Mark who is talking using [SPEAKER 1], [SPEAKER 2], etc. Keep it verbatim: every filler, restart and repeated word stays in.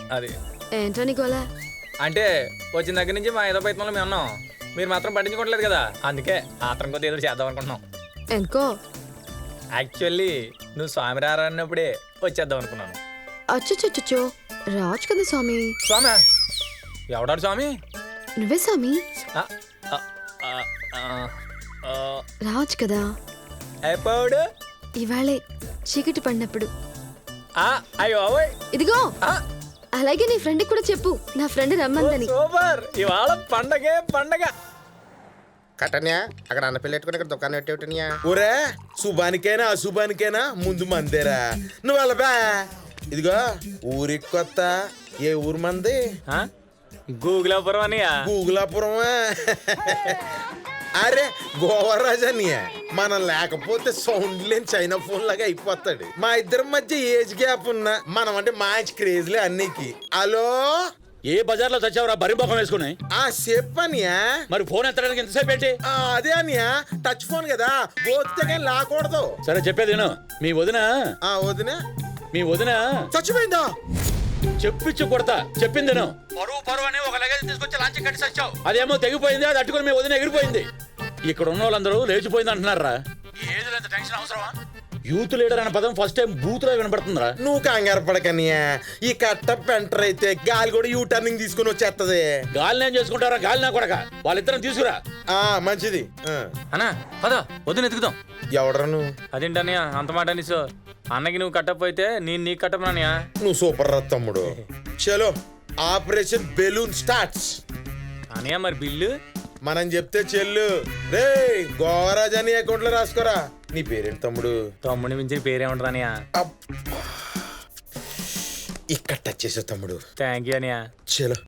[SPEAKER 1] అది
[SPEAKER 2] ఏంటో నీ గోలా?
[SPEAKER 1] అంటే వచ్చిన దగ్గర నుంచి మా ఏదో ప్రయత్నంలో మేము ఉన్నాం, మీరు మాత్రం పట్టించుకోవట్లేదు కదా, అందుకే ఆత్రం కొద్ది ఏదో చేద్దాం అనుకుంటున్నాం.
[SPEAKER 2] ఎందుకో?
[SPEAKER 1] యాక్చువల్లీ నువ్వు స్వామి రారా అన్నప్పుడే వచ్చేద్దాం అనుకున్నాను.
[SPEAKER 2] అచ్చచ్చో రాజు కదా స్వామి.
[SPEAKER 1] స్వామి ఎవడాడు స్వామి?
[SPEAKER 2] నువ్వే స్వామి.
[SPEAKER 1] ఆ, ఆ, ఆ, ఆ, ఆ,
[SPEAKER 2] రాజు కదా.
[SPEAKER 1] ఎప్పుడు?
[SPEAKER 2] ఇవాళే చీకటి పడినప్పుడు.
[SPEAKER 1] ఆ, అయ్యో ఓయ్.
[SPEAKER 2] ఇదిగో
[SPEAKER 1] ఆ,
[SPEAKER 2] అలాగే నీ ఫ్రెండ్ కూడా చెప్పు, నా ఫ్రెండ్ రమ్మందని.
[SPEAKER 1] సూపర్, ఇవాళ పండగే పండగ.
[SPEAKER 3] కట్టన్యా అక్కడ అన్న పిల్ల పెట్టుకుని ఇక్కడ దుకాణం పెట్టేటన్యా.
[SPEAKER 4] ఒరే శుభానికైనా అశుభానికైనా ముందు మందేరా. నువ్వు వెళ్ళబా. ఇదిగో ఊరికి కొత్త. ఏ ఊరు మంది?
[SPEAKER 1] గూగులాపురం అని.
[SPEAKER 4] గూగులాపురమా? అరే గోవరాజన్య మనం లేకపోతే సౌండ్ లేని చైనా ఫోన్ లాగా అయిపోతాడు. మా ఇద్దరి మధ్య ఏజ్ గ్యాప్ ఉన్నా మనం అంటే మ్యాచ్ క్రేజ్లే అన్నికి. హలో,
[SPEAKER 5] ఏ బజార్ లో చచ్చావురా బరి ముఖం వేసుకుని?
[SPEAKER 4] ఆ చెప్పనియా.
[SPEAKER 5] మరి ఫోన్ ఎత్తడానికి ఎంతసేపు ఏంటి?
[SPEAKER 4] అదే అనియా, టచ్ ఫోన్ కదా, పోతే కానీ లాకూడదు.
[SPEAKER 5] సరే చెప్పేది విను. మీ వదిన
[SPEAKER 4] ఆ వదిన
[SPEAKER 5] మీ వదిన
[SPEAKER 4] చచ్చిపోయిందా?
[SPEAKER 5] చెప్పించు కొడతా, చెప్పింది విను. పరువు పరువు అని ఒక లగేజ్ తీసుకొచ్చి లాంచి కట్టి చచ్చావు. అదేమో తెగిపోయింది, అది అట్టుకుని మీ వదిన ఎగిరిపోయింది. ఇక్కడ ఉన్న వాళ్ళందరూ లేచిపోయింది అంటున్నారా? ఈ ఏజ్ లో ఎంత టెన్షన్ అవసరమా? యూత్ లీడర్ అనే పదం ఫస్ట్ టైం బూత్ లో వినపడుతుందిరా.
[SPEAKER 4] నువ్వు కంగారు పడకనియా. ఈ కట్ట పెంటర్ అయితే గాలి కూడా యూ టర్నింగ్ తీసుకుని వచ్చేస్తది.
[SPEAKER 5] గాలిని ఏం చేసుకుంటారా? గాలి నా కొడక, వాళ్ళిద్దరం తీసుకురా.
[SPEAKER 4] ఆ మంచిది.
[SPEAKER 1] అన్నా పద వద్దు ఎత్తుకుదాం.
[SPEAKER 4] ఎవడరా నువ్వు?
[SPEAKER 1] అదేంటన్నయ్య అంత మాట అనేసో? అన్నకి నువ్వు కట్టప్ అయితే నేను నీకు కట్టమన్నయ్యా.
[SPEAKER 4] నువ్వు సూపర్ రా తమ్ముడు. చలో ఆపరేషన్ బెలూన్ స్టార్ట్స్.
[SPEAKER 1] అన్నయ్య మరి బిల్లు
[SPEAKER 4] మనం చెప్తే చెల్లు. రే గోవరాజ్ అని అకౌంట్ లో రాసుకోరా. నీ పేరేంటి తమ్ముడు?
[SPEAKER 1] తమ్ముడిని మించిన పేరేమంటారు అన్నయ్య?
[SPEAKER 4] ఇక్కడ టచ్ చేసావు తమ్ముడు.
[SPEAKER 1] థ్యాంక్ యూ అన్నయ్య.
[SPEAKER 4] చలో